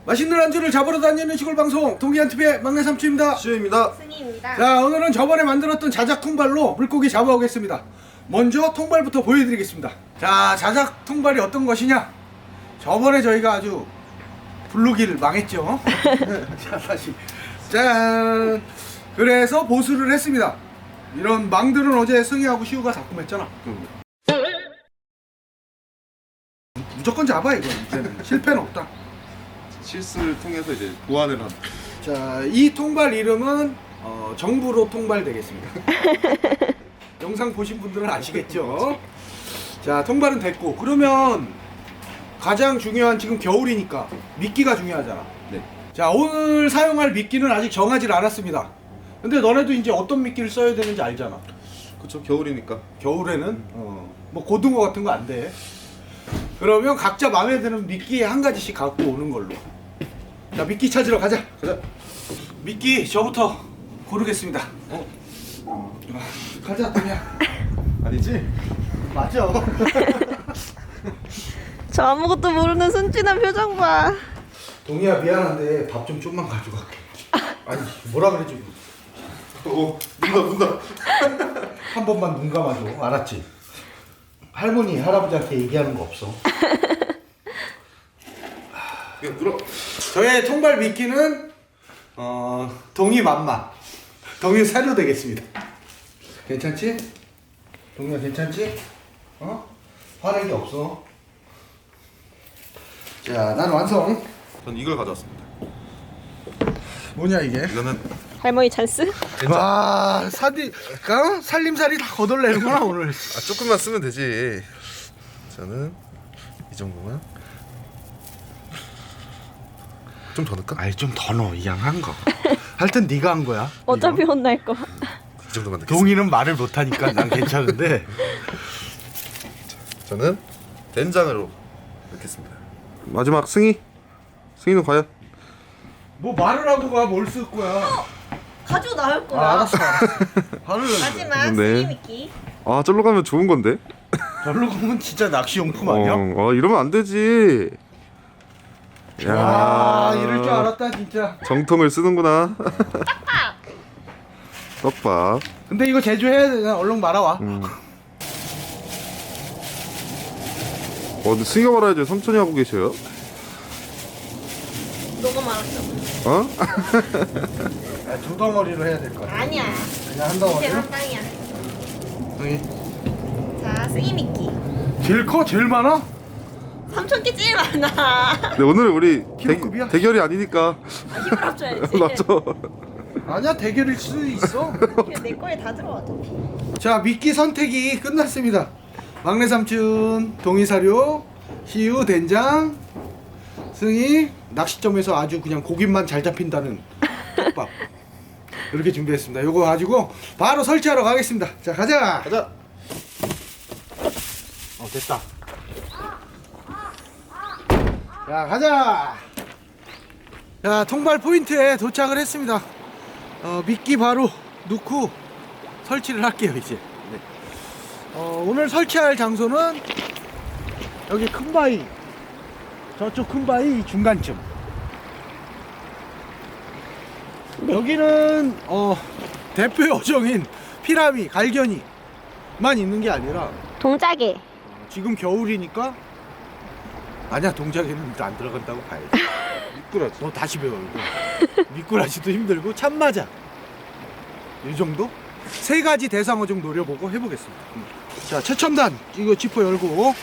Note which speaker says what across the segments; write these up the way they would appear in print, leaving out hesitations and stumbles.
Speaker 1: 맛있는 안주를 잡으러 다니는 시골 방송 동기한TV의 막내 삼촌입니다.
Speaker 2: 시우입니다.
Speaker 3: 승희입니다.
Speaker 1: 자, 오늘은 저번에 만들었던 자작 통발로 물고기 잡아오겠습니다. 먼저 통발부터 보여드리겠습니다. 자, 자작 통발이 어떤 것이냐? 저번에 저희가 아주 블루기를 망했죠. 자, 다시 짠. 그래서 보수를 했습니다. 이런 망들은 어제 승희하고 시우가 작품했잖아. 무조건 잡아 이거. 이제는 실패는 없다.
Speaker 2: 실수를 통해서 이제 보완을 한.
Speaker 1: 자, 이 통발 이름은 정부로 통발 되겠습니다. 영상 보신 분들은 아시겠죠? 자, 통발은 됐고, 그러면 가장 중요한, 지금 겨울이니까 미끼가 중요하잖아.
Speaker 2: 네.
Speaker 1: 자, 오늘 사용할 미끼는 아직 정하지 않았습니다. 근데 너네도 이제 어떤 미끼를 써야 되는지 알잖아.
Speaker 2: 그쵸, 겨울이니까.
Speaker 1: 겨울에는 뭐 고등어 같은 거 안 돼. 그러면 각자 마음에 드는 미끼 한 가지씩 갖고 오는 걸로. 자, 미끼 찾으러 가자.
Speaker 2: 가자.
Speaker 1: 미끼 저부터 고르겠습니다. 가자, 동이야.
Speaker 2: 아니지?
Speaker 1: 맞아.
Speaker 3: 저 아무것도 모르는 순진한 표정 봐.
Speaker 1: 동이야, 미안한데 밥 좀 좀만 가져갈게. 아니, 뭐라 그러지?
Speaker 2: 문다.
Speaker 1: 한 번만 눈 감아줘. 알았지? 할머니, 할아버지한테 얘기하는 거 없어.
Speaker 2: 그냥 들어.
Speaker 1: 저의 통발 미끼는 동이 맘마. 동이 사료 되겠습니다. 괜찮지? 동이야, 괜찮지? 화내기 없어. 자, 난 완성.
Speaker 2: 전 이걸 가져왔습니다.
Speaker 1: 뭐냐 이게?
Speaker 2: 이거는
Speaker 3: 할머니 찬스?
Speaker 1: 와, 살림살이 다 거덜내는구나 오늘.
Speaker 2: 조금만 쓰면 되지. 저는 이 정도만. 좀 더 넣을까?
Speaker 1: 아이, 좀 더 넣어, 이 양한 거. 하여튼 네가 한 거야.
Speaker 3: 어차피 혼날 거.
Speaker 2: 이 정도만 넣겠습니다.
Speaker 1: 동이는 말을 못하니까 난 괜찮은데.
Speaker 2: 저는 된장으로 넣겠습니다. 마지막 승희. 승희는 과연?
Speaker 1: 뭐 말을 하고 가, 뭘 쓸 거야.
Speaker 3: 가지고 나올 거야.
Speaker 1: 알았어. 화를 내.
Speaker 3: 마지막
Speaker 2: 네.
Speaker 3: 승희 미끼.
Speaker 2: 아, 절로 가면 좋은 건데.
Speaker 1: 절로 가면 진짜 낚시용품 아니야?
Speaker 2: 이러면 안 되지.
Speaker 1: 와, 이럴 줄 알았다 진짜.
Speaker 2: 정통을 쓰는구나. 떡밥.
Speaker 1: 근데 이거 제조해야 되나? 얼른 말아와.
Speaker 2: 근데 승희가 말아야지. 삼촌이 하고 계셔요.
Speaker 3: 너가 말았잖아.
Speaker 2: 어?
Speaker 1: 야, 두 덩어리로 해야 될 거야.
Speaker 3: 아니야.
Speaker 1: 그냥 한
Speaker 3: 이제
Speaker 1: 덩어리로?
Speaker 3: 한 방이야.
Speaker 1: 동이.
Speaker 3: 자, 승희 미끼.
Speaker 1: 제일 커? 제일 많아?
Speaker 3: 삼촌 게 제일 많아.
Speaker 2: 근데 오늘은 우리
Speaker 1: 키로급이야?
Speaker 2: 대결이 아니니까.
Speaker 3: 힘을 합쳐야지.
Speaker 2: 맞죠?
Speaker 1: 아니야, 대결일 수도 있어.
Speaker 3: 그냥 내 거에 다 들어가 어차피.
Speaker 1: 자, 미끼 선택이 끝났습니다. 막내 삼촌, 동이 사료, 시우 된장, 승희 낚시점에서 아주 그냥 고기만 잘 잡힌다는 떡밥. 이렇게 준비했습니다. 요거 가지고 바로 설치하러 가겠습니다. 자, 가자.
Speaker 2: 가자.
Speaker 1: 됐다. 자, 가자. 자, 통발 포인트에 도착을 했습니다. 미끼 바로 넣고 설치를 할게요 이제. 네. 오늘 설치할 장소는 여기 큰 바위, 저쪽 큰 바위 중간쯤. 여기는 대표 요정인 피라미, 갈견이만 있는 게 아니라
Speaker 3: 동작에.
Speaker 1: 지금 겨울이니까. 아니야, 동작에는 안 들어간다고 봐야지.
Speaker 2: 미꾸라지.
Speaker 1: 너 다시 배워 이거. 미꾸라지도 힘들고 참마자, 이 정도? 세 가지 대상어 좀 노려보고 해보겠습니다. 자, 최첨단 이거 지퍼 열고.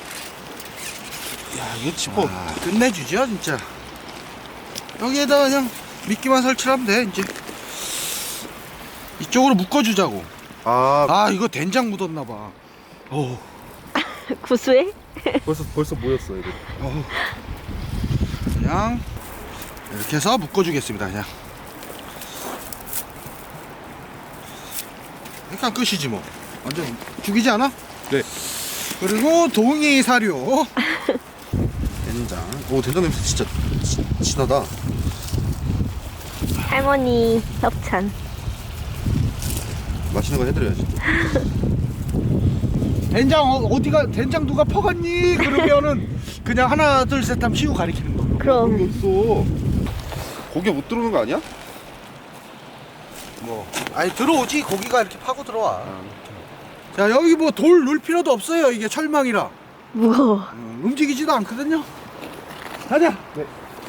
Speaker 2: 야, 이거 지퍼.
Speaker 1: 끝내주죠 진짜. 여기에다 그냥 미끼만 설치하면 돼. 이제 이쪽으로 묶어주자고.
Speaker 2: 아,
Speaker 1: 이거 된장 묻었나봐.
Speaker 3: 구수해?
Speaker 2: 벌써 모였어 이거.
Speaker 1: 그냥 이렇게 해서 묶어주겠습니다. 그냥. 그러니까 끝이지 뭐. 완전 죽이지 않아?
Speaker 2: 네.
Speaker 1: 그리고 동이 사료.
Speaker 2: 된장. 오, 된장 냄새 진짜 진하다.
Speaker 3: 할머니 협찬.
Speaker 2: 맛있는 거 해드려야지.
Speaker 1: 된장 어디가, 된장 누가 퍼갔니? 그러면은 그냥 하나 둘 셋 하면 시우 가리키는 거.
Speaker 3: 그럼.
Speaker 2: 여기 어딨어? 고기 못 들어오는 거 아니야?
Speaker 1: 뭐 아니 들어오지. 고기가 이렇게 파고 들어와. 자 여기 뭐 돌 넣을 필요도 없어요. 이게 철망이라
Speaker 3: 무거워.
Speaker 1: 움직이지도 않거든요. 가자.
Speaker 2: 네.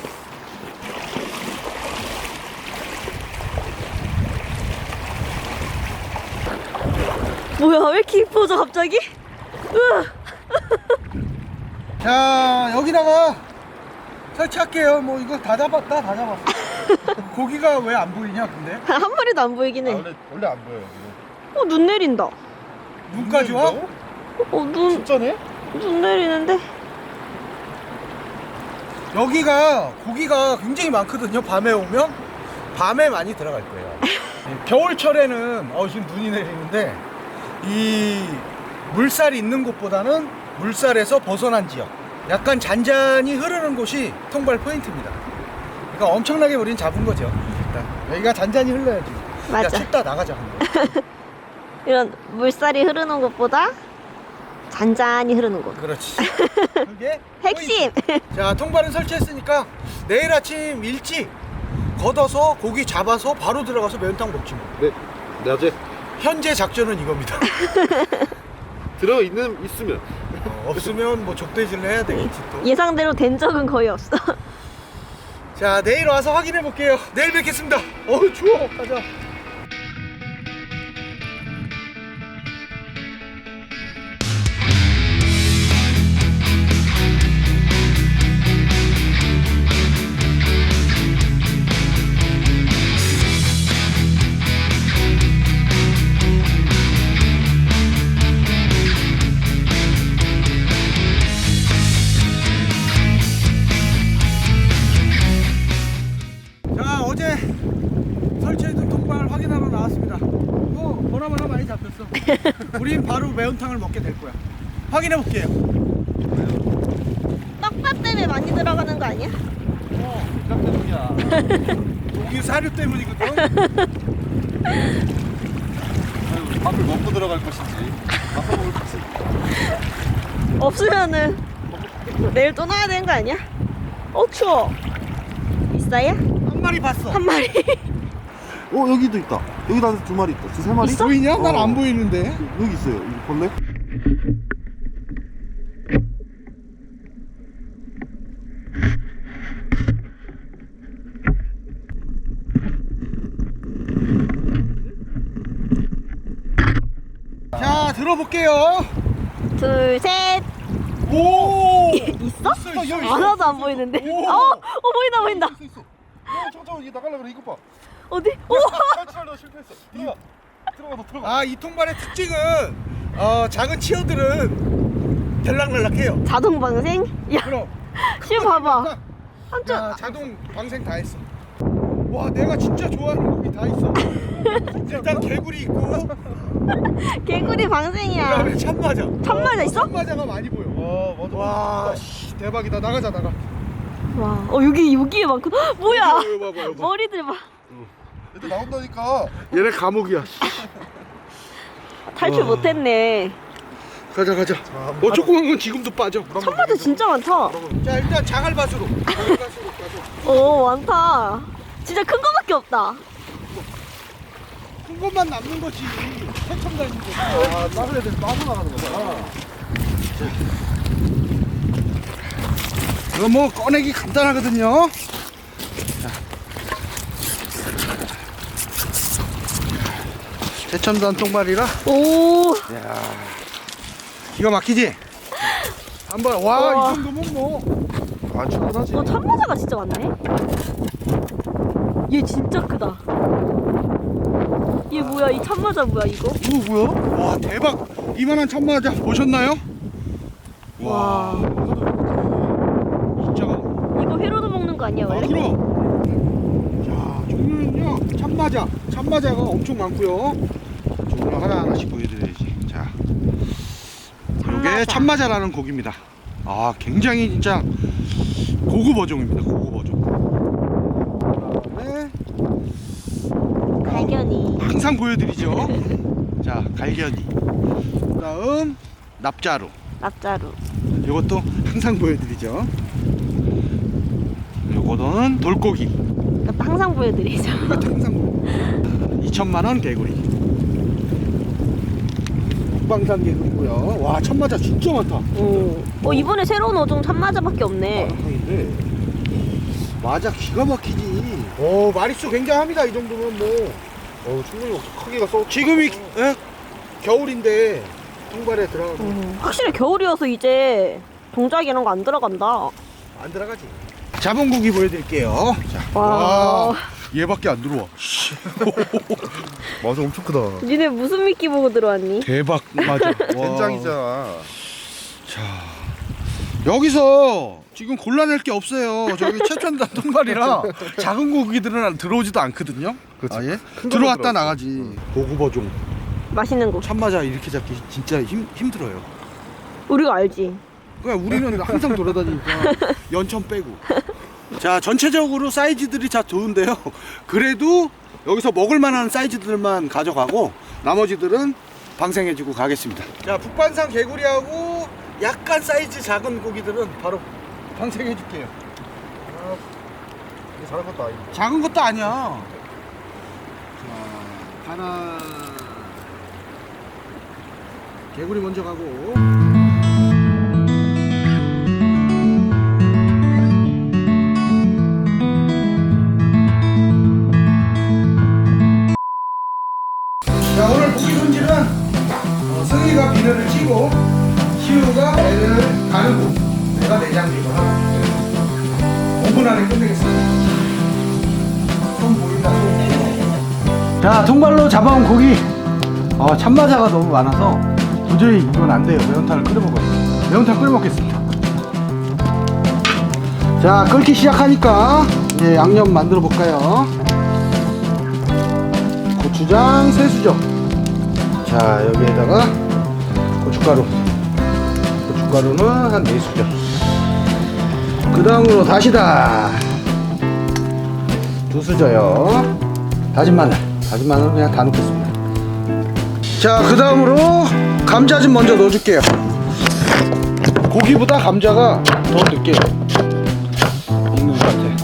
Speaker 3: 뭐야, 왜 이렇게 이뻐져, 갑자기? 우와.
Speaker 1: 자 여기다가 설치할게요. 뭐 이거 다 잡았다. 다 잡았어. 고기가 왜 안 보이냐 근데?
Speaker 3: 한 마리도 안 보이긴 해.
Speaker 2: 원래 안 보여요.
Speaker 3: 눈 내린다.
Speaker 1: 눈까지 와?
Speaker 2: 진짜네?
Speaker 3: 눈 내리는데?
Speaker 1: 여기가 고기가 굉장히 많거든요. 밤에 오면 밤에 많이 들어갈 거예요. 겨울철에는 지금 눈이 내리는데 이 물살이 있는 곳보다는 물살에서 벗어난 지역, 약간 잔잔히 흐르는 곳이 통발 포인트입니다. 그러니까 엄청나게 우린 잡은 거죠. 일단 여기가 잔잔히 흘러야지.
Speaker 3: 맞아.
Speaker 1: 야, 춥다 나가자. 한번.
Speaker 3: 이런 물살이 흐르는 곳보다 잔잔히 흐르는 곳.
Speaker 1: 그렇지. 그게
Speaker 3: 핵심!
Speaker 1: 포인트. 자, 통발은 설치했으니까 내일 아침 일찍 걷어서 고기 잡아서 바로 들어가서 매운탕 먹지 뭐.
Speaker 2: 네. 낮에
Speaker 1: 현재 작전은 이겁니다.
Speaker 2: 있으면.
Speaker 1: 없으면 뭐 족대질을 해야 되겠지 또.
Speaker 3: 예상대로 된 적은 거의 없어.
Speaker 1: 자, 내일 와서 확인해 볼게요. 내일 뵙겠습니다. 추워. 가자. 자, 어제 설치해둔 통발 확인하러 나왔습니다. 보나마나 많이 잡혔어. 우린 바로 매운탕을 먹게 될 거야. 확인해 볼게요.
Speaker 3: 떡밥 때문에 많이 들어가는 거 아니야?
Speaker 1: 고기 사료 때문이거든.
Speaker 2: 밥을 먹고 들어갈 것인지 맛을 먹을 것인지.
Speaker 3: 없으면은 내일 또 놔야 되는 거 아니야? 추워. 있어요?
Speaker 1: 한 마리 봤어.
Speaker 3: 한 마리.
Speaker 2: 여기도 있다. 여기다 두 마리 있다. 세 마리?
Speaker 3: 있어?
Speaker 1: 보이냐? 난 안 보이는데.
Speaker 2: 여기 있어요. 이거 볼래?
Speaker 1: 자, 들어볼게요.
Speaker 3: 둘, 셋.
Speaker 1: 오!
Speaker 3: 있어?
Speaker 1: 있어, 여기 있어.
Speaker 3: 하나도 안 보이는데.
Speaker 1: 오.
Speaker 3: 보인다, 보인다.
Speaker 2: 있어. 잠깐만 이게 나가려 그래. 이거 봐.
Speaker 3: 어디?
Speaker 2: 설치하려다 실패했어. 들어가.
Speaker 1: 아, 이 통발의 특징은 작은 치어들은 들락날락해요.
Speaker 3: 자동 방생? 야,
Speaker 1: 그럼
Speaker 3: 지금 봐봐. 한쪽.
Speaker 1: 야, 자동 방생 다 했어. 와, 내가 진짜 좋아하는 고기 다 있어. 일단 개구리 있고,
Speaker 3: 개구리 방생이야.
Speaker 1: 그다음에 참마자.
Speaker 3: 참마자 있어?
Speaker 1: 참마자가 많이 보여.
Speaker 2: 맞아.
Speaker 1: 와, 씨, 대박이다. 나가자.
Speaker 3: 와, 여기에 많구나. 뭐야?
Speaker 1: 이거 봐봐.
Speaker 3: 머리들 봐.
Speaker 2: 얘들 나온다니까.
Speaker 1: 얘네 감옥이야.
Speaker 3: 탈출 못했네.
Speaker 1: 가자. 조그만 건 지금도 빠져.
Speaker 3: 참마자 진짜 많다.
Speaker 1: 자, 일단 자갈밭으로.
Speaker 3: 많다. 진짜 큰 거밖에 없다.
Speaker 1: 큰 것만 남는 거지. 새천 다니는 거.
Speaker 2: 다른 애들 빠져나가는 거잖아.
Speaker 1: 이거 뭐 꺼내기 간단하거든요. 새천단 통발이라
Speaker 3: 오,
Speaker 1: 기가 막히지? 한번
Speaker 3: 우와.
Speaker 1: 이 정도면 뭐.
Speaker 2: 충분하지.
Speaker 3: 참마자가 진짜 많네. 얘 진짜 크다. 얘 뭐야? 이 참마자 뭐야 이거?
Speaker 1: 이거 뭐야? 와, 대박. 이만한 참마자 보셨나요?
Speaker 3: 와,
Speaker 1: 진짜.
Speaker 3: 이거 회로도 먹는 거 아니야 원래?
Speaker 1: 그럼. 자, 종류는요. 참마자가 엄청 많고요. 종류 하나하나씩 보여드려야지. 자, 이게 참마자라는 고기입니다. 굉장히 진짜 고급 어종입니다. 고급 어종. 그다음에
Speaker 3: 갈견이.
Speaker 1: 항상 보여드리죠. 자, 갈견이. 그다음 납자루.
Speaker 3: 납자루.
Speaker 1: 이것도 항상 보여드리죠. 요거는 물고기.
Speaker 3: 이것도 항상 보여드리죠.
Speaker 1: 이것도 항상 2천만원 개구리. 북방산 개구리고요. 와, 참마자 진짜 많다.
Speaker 3: 이번에 새로운 어종 참마자밖에 없네.
Speaker 1: 근데 맞아, 기가 막히지. 마리수 굉장합니다. 이 정도면 뭐.
Speaker 2: 충분히 크기가 써.
Speaker 1: 지금이 겨울인데 통발에 들어가고
Speaker 3: 확실히 겨울이어서 이제 동작 이런 거 안 들어간다.
Speaker 1: 안 들어가지. 잡은 고기 보여드릴게요. 자,
Speaker 3: 와.
Speaker 2: 얘밖에 안 들어와. 맞아, 엄청 크다.
Speaker 3: 니네 무슨 미끼 보고 들어왔니?
Speaker 1: 대박. 맞아.
Speaker 2: 된장이잖아.
Speaker 1: 자, 여기서 지금 골라낼 게 없어요. 저기 최첨단 통발이라 작은 고기들은 들어오지도 않거든요.
Speaker 2: 그치.
Speaker 1: 아예
Speaker 2: 큰
Speaker 1: 들어왔다
Speaker 2: 거만
Speaker 1: 나가지. 고구버종
Speaker 3: 맛있는 거.
Speaker 1: 참마자 이렇게 잡기 진짜 힘들어요.
Speaker 3: 우리가 알지.
Speaker 1: 그냥 우리는 항상 돌아다니니까 연천 빼고. 자, 전체적으로 사이즈들이 다 좋은데요. 그래도 여기서 먹을 만한 사이즈들만 가져가고 나머지들은 방생해주고 가겠습니다. 자, 북반산 개구리하고 약간 사이즈 작은 고기들은 바로 방생해줄게요.
Speaker 2: 이게 작은 것도 아니고.
Speaker 1: 작은 것도 아니야. 자, 하나. 개구리 먼저 가고. 자, 오늘 고기 손질은 승희가 비늘을 찌고 시우가 배를 가르고 내가 내장비를 하고 5분 안에 끝내겠습니다. 손 보인다, 손. 자, 통발로 잡아온 고기. 참마자가 너무 많아서 도저히 이건 안 돼요. 매운탕을 끓여 먹어요. 매운탕 끓여 먹겠습니다. 자, 끓기 시작하니까 이제 양념 만들어 볼까요? 고추장 3수저. 자, 여기에다가 고춧가루는 한 4수저. 그 다음으로 다시다 2수저요. 다진 마늘 그냥 다 넣겠습니다. 자, 그 다음으로 감자 좀 먼저 넣어줄게요. 고기보다 감자가 더 늦게 익는 것 같아.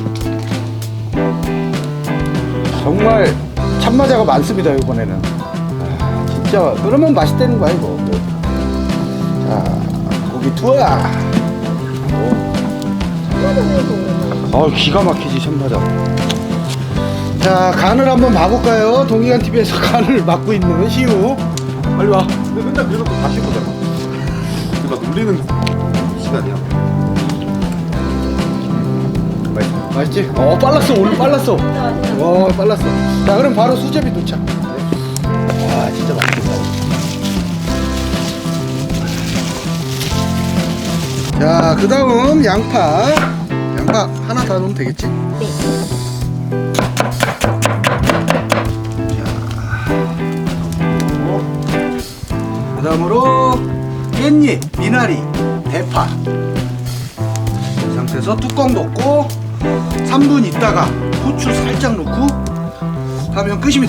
Speaker 1: 정말 참마자가 많습니다, 이번에는. 진짜 그러면 맛있다는 거야, 이거. 자, 고기 투하. 기가 막히지, 참마자. 자, 간을 한번 봐볼까요? 동의관 TV에서 간을 맡고 있는 시우. 빨리 와.
Speaker 2: 근데 맨날 그래놓고 다시 보잖아. 그러니까 놀리는 시간이야.
Speaker 1: 맛있지? 빨랐어. 오늘 빨랐어. 와, 빨랐어. 자, 그럼 바로 수제비 도착. 와, 진짜 맛있겠다. 자, 그 다음 양파 하나 다 넣으면 되겠지?
Speaker 3: 네.
Speaker 1: 그 다음으로 깻잎, 미나리, 대파. 이 상태에서 뚜껑 덮고 3분 있다가 후추 살짝 넣고 하면 끝입니다.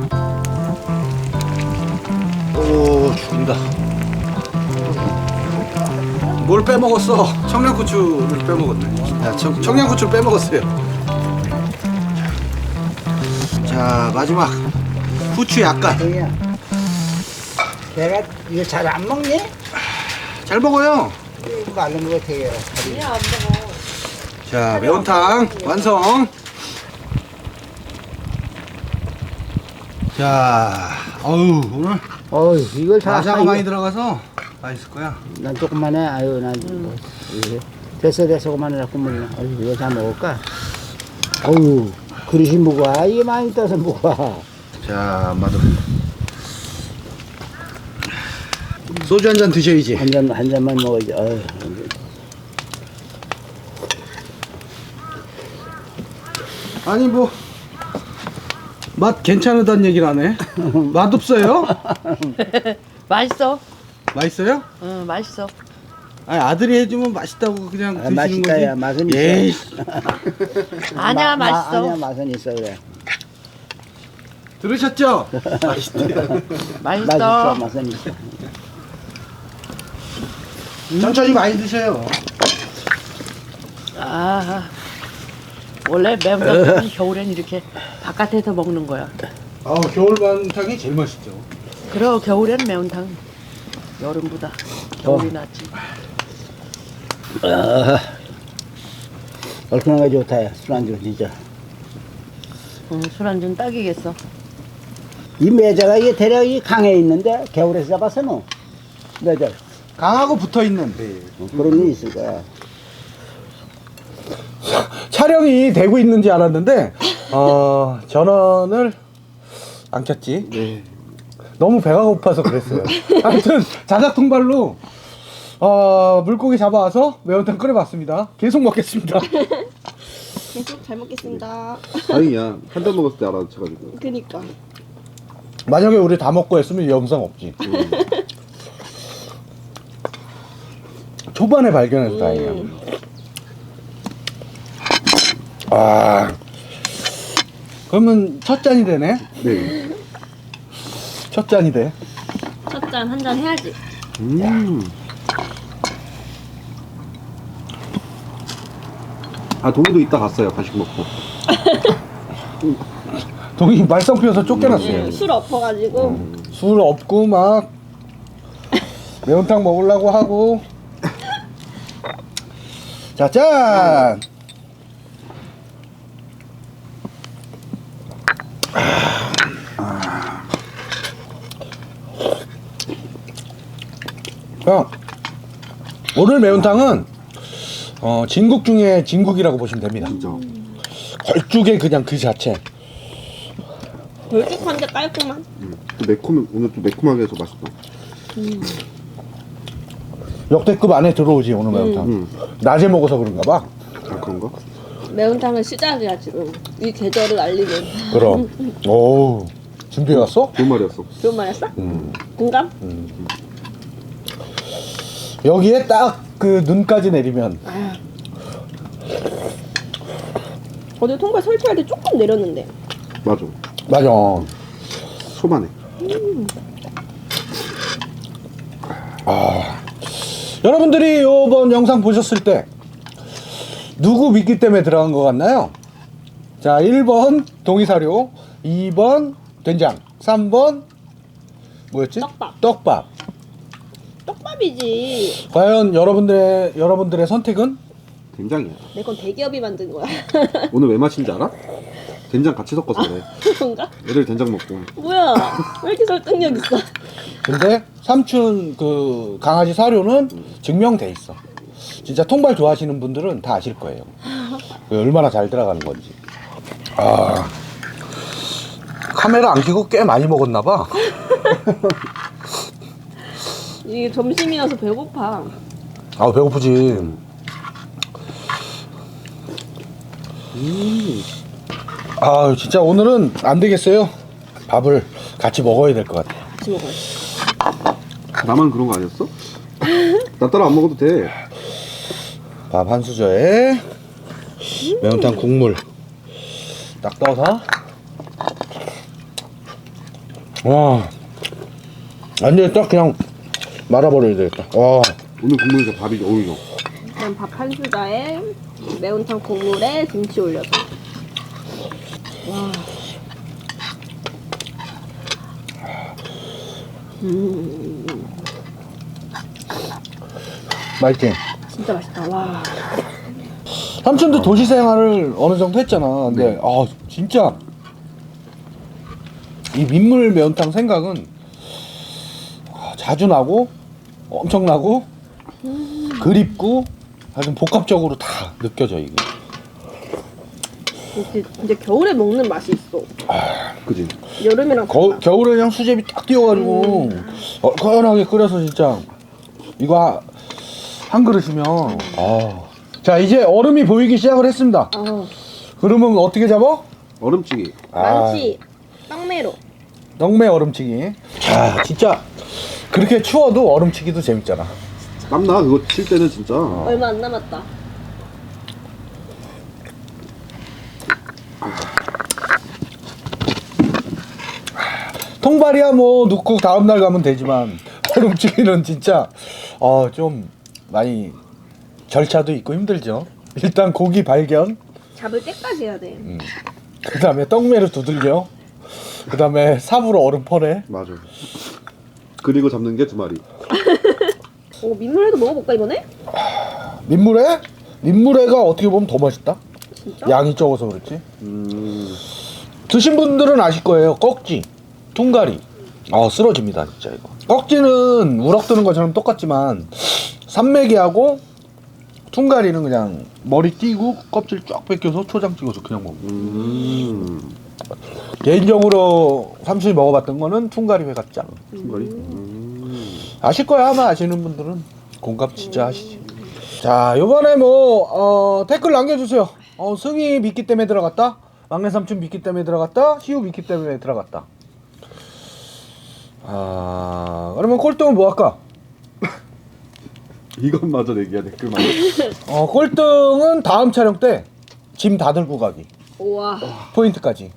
Speaker 1: 오, 죽인다. 뭘 빼먹었어? 청양고추를 빼먹었네. 야, 청양고추를 빼먹었어요. 자, 마지막 후추 약간.
Speaker 4: 동이야. 내가 이거 잘 안 먹니?
Speaker 1: 잘 먹어요.
Speaker 4: 이거 말른 거 되게.
Speaker 1: 자, 매운탕 완성. 자, 오늘
Speaker 4: 이걸 다.
Speaker 1: 마자가 많이 들어가서 맛있을 거야.
Speaker 4: 난 조금만 해. 아유, 난. 됐어, 그만해라, 국물이나. 이거 다 먹을까? 그릇이 무거워. 이게 많이 떠서 무거워.
Speaker 1: 자, 마들. 소주 한 잔 드셔야지.
Speaker 4: 한 잔만 먹어야지.
Speaker 1: 아니 뭐 맛 괜찮다는 얘기를 하네. 맛 없어요?
Speaker 5: 맛있어.
Speaker 1: 맛있어요?
Speaker 5: 응, 맛있어.
Speaker 1: 아니, 아들이 해주면 맛있다고 그냥 드시는
Speaker 4: 맛있다,
Speaker 1: 거지.
Speaker 4: 야, 맛은 있어.
Speaker 1: 에이,
Speaker 5: 아니야, 맛있어.
Speaker 4: 아니야, 맛은 있어, 그래.
Speaker 1: 들으셨죠? 맛있대.
Speaker 5: 맛있어.
Speaker 4: 맛은 있어.
Speaker 1: 천천히 많이 드셔요.
Speaker 5: 아, 원래 매운탕은 겨울엔 이렇게 바깥에서 먹는 거야.
Speaker 1: 아 겨울 매운탕이 제일 맛있죠.
Speaker 5: 그래 겨울엔 매운탕 여름보다 겨울이 낫지.
Speaker 4: 얼큰하게 좋다. 야. 술안주 진짜.
Speaker 5: 술안주는 딱이겠어.
Speaker 4: 이 매자가 이게 대략 이 강에 있는데 겨울에서 잡아서는 매자
Speaker 1: 강하고 붙어 있는
Speaker 4: 그런 게 있을 거야.
Speaker 1: 촬영이 되고 있는지 알았는데 전원을 안 켰지.
Speaker 2: 네.
Speaker 1: 너무 배가 고파서 그랬어요. 아무튼 자작 통발로 물고기 잡아와서 매운탕 끓여봤습니다. 계속 먹겠습니다.
Speaker 3: 계속 잘 먹겠습니다.
Speaker 2: 다행이야. 한 잔 먹었을 때 알아채가지고.
Speaker 3: 그니까.
Speaker 1: 만약에 우리 다 먹고 했으면 이 영상 없지. 초반에 발견해서 다행이야. 아 그러면 첫 잔이 되네.
Speaker 2: 네.
Speaker 1: 첫 잔이 돼.
Speaker 3: 첫 잔 한 잔 해야지.
Speaker 2: 아 동이도 이따 갔어요. 간식 먹고.
Speaker 1: 동이 말썽 피워서 쫓겨났어요.
Speaker 3: 술 엎어가지고.
Speaker 1: 술 없고 막 매운탕 먹으려고 하고. 자, 짠! 오늘 매운탕은 진국 중에 진국이라고 보시면 됩니다.
Speaker 2: 진짜.
Speaker 1: 걸쭉의 그냥 그 자체.
Speaker 3: 걸쭉한데 깔끔한.
Speaker 2: 또 오늘 또 매콤하게 해서 맛있다.
Speaker 1: 역대급 안에 들어오지 오늘 매운탕. 낮에 먹어서 그런가 봐.
Speaker 2: 아 그런가?
Speaker 3: 매운탕은 시작이야 지금. 이 계절을 알리는.
Speaker 1: 그럼. 오 준비해 왔어?
Speaker 2: 좋은 말이었어.
Speaker 3: 좋은 말했어? 공감?
Speaker 1: 여기에 딱 그 눈까지 내리면
Speaker 3: 어제 통발 설치할 때 조금 내렸는데.
Speaker 2: 맞아.
Speaker 1: 맞아.
Speaker 2: 초반에.
Speaker 1: 여러분들이 이번 영상 보셨을 때 누구 믿기 때문에 들어간 것 같나요? 자 1번 동이사료, 2번 된장, 3번 뭐였지?
Speaker 3: 떡밥.
Speaker 1: 떡밥.
Speaker 3: 떡밥이지.
Speaker 1: 과연 여러분들의 선택은?
Speaker 2: 된장이야.
Speaker 3: 내 건 대기업이 만든 거야.
Speaker 2: 오늘 왜 마신지 알아? 된장 같이 섞어서 그래.
Speaker 3: 그런가?
Speaker 2: 애들 된장 먹고.
Speaker 3: 뭐야? 왜 이렇게 설득력 있어?
Speaker 1: 근데 삼촌 그 강아지 사료는 증명돼 있어. 진짜 통발 좋아하시는 분들은 다 아실 거예요. 얼마나 잘 들어가는 건지. 카메라 안 켜고 꽤 많이 먹었나 봐.
Speaker 3: 이게 점심이라서 배고파.
Speaker 1: 배고프지. 진짜 오늘은 안 되겠어요. 밥을 같이 먹어야 될 것 같아.
Speaker 3: 같이 먹어요.
Speaker 2: 나만 그런 거 아니었어? 나 따라 안 먹어도 돼.
Speaker 1: 밥 한 수저에 매운탕 국물 딱 떠서. 와, 완전히 딱 그냥 말아버려야 되겠다. 와,
Speaker 2: 오늘 국물에서 밥이 어울려.
Speaker 3: 그냥 밥 한 수저에 매운탕 국물에 김치 올려서. 와.
Speaker 1: 맛있지?
Speaker 3: 진짜 맛있다. 와.
Speaker 1: 삼촌도 도시 생활을 어느 정도 했잖아. 근데 진짜 이 민물 매운탕 생각은 자주 나고 엄청 나고 그립고 아주 복합적으로 다 느껴져 이게.
Speaker 3: 이제 겨울에 먹는 맛이 있어.
Speaker 2: 그지?
Speaker 3: 여름이랑
Speaker 1: 겨울에 그냥 수제비 딱 띄워가지고 얼큰하게 끓여서 진짜 이거 한 그릇이면 자 이제 얼음이 보이기 시작을 했습니다. 그러면 어떻게 잡아?
Speaker 2: 얼음찌개.
Speaker 3: 많지. 떡메로.
Speaker 1: 영매 얼음치기. 진짜 그렇게 추워도 얼음치기도 재밌잖아.
Speaker 2: 땀나 그거 칠 때는 진짜.
Speaker 3: 얼마 안 남았다.
Speaker 1: 통발이야 뭐 넣고 다음날 가면 되지만 얼음치기는 진짜 좀 많이 절차도 있고 힘들죠. 일단 고기 발견,
Speaker 3: 잡을 때까지 해야 돼.
Speaker 1: 그 다음에 떡매를 두들겨. 그 다음에 삽으로 얼음 퍼내.
Speaker 2: 맞아. 그리고 잡는 게 2마리.
Speaker 3: 오, 민물회도 먹어볼까 이번에?
Speaker 1: 민물회? 민물회가 어떻게 보면 더 맛있다.
Speaker 3: 진짜?
Speaker 1: 양이 적어서 그렇지. 드신 분들은 아실 거예요. 꺽지, 퉁가리. 쓰러집니다 진짜 이거. 꺽지는 우럭 뜨는 것처럼 똑같지만 산메기하고 퉁가리는 그냥 머리 띄고 껍질 쫙 벗겨서 초장 찍어서 그냥 먹는. 개인적으로 삼촌이 먹어봤던 거는 퉁가리 회가 짱.
Speaker 2: 퉁가리?
Speaker 1: 아실 거야 아마. 아시는 분들은 공감 진짜 하시지. 자, 요번에 댓글 남겨주세요. 승희 미끼 때문에 들어갔다, 막내 삼촌 미끼 때문에 들어갔다, 시우 미끼 때문에 들어갔다. 그러면 꼴등은 뭐 할까?
Speaker 2: 이것마저 내기야 댓글만.
Speaker 1: 꼴등은 다음 촬영 때 짐 다 들고 가기.
Speaker 3: 우와.
Speaker 1: 포인트까지.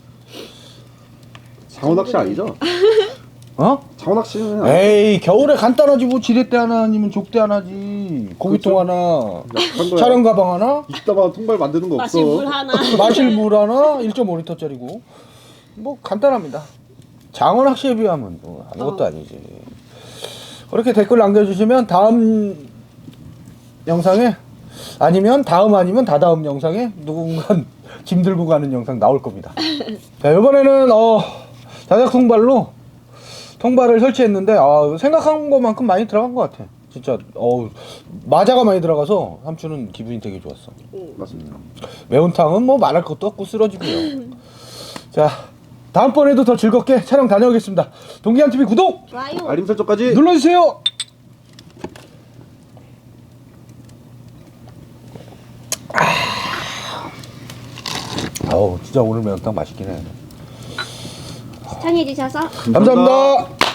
Speaker 2: 장어 낚시 아니죠? 장어 낚시는
Speaker 1: 에이, 겨울에 간단하지 뭐. 지렛대 하나 아니면 족대 하나지. 고기통 하나,
Speaker 2: 약한 거야.
Speaker 1: 촬영 가방 하나,
Speaker 2: 이따가 통발 만드는 거 없어.
Speaker 3: 마실 물 하나.
Speaker 1: 마실 물 하나, 1.5리터짜리고. 뭐 간단합니다. 장어 낚시에 비하면 뭐 아무것도 아니지. 그렇게 댓글 남겨주시면 다음 영상에, 아니면 다다음 영상에 누군가 짐 들고 가는 영상 나올 겁니다. 자, 이번에는 자작 통발로 통발을 설치했는데 생각한 것만큼 많이 들어간 것 같아. 진짜 마자가 많이 들어가서 삼촌은 기분이 되게 좋았어.
Speaker 2: 맞습니다.
Speaker 1: 매운탕은 뭐 말할 것도 없고 쓰러지고요. 자, 다음번에도 더 즐겁게 촬영 다녀오겠습니다. 동기한TV 구독!
Speaker 3: 좋아요.
Speaker 2: 알림 설정까지
Speaker 1: 눌러주세요! 진짜 오늘 매운탕 맛있긴 해.
Speaker 3: 시청해주셔서
Speaker 1: 감사합니다.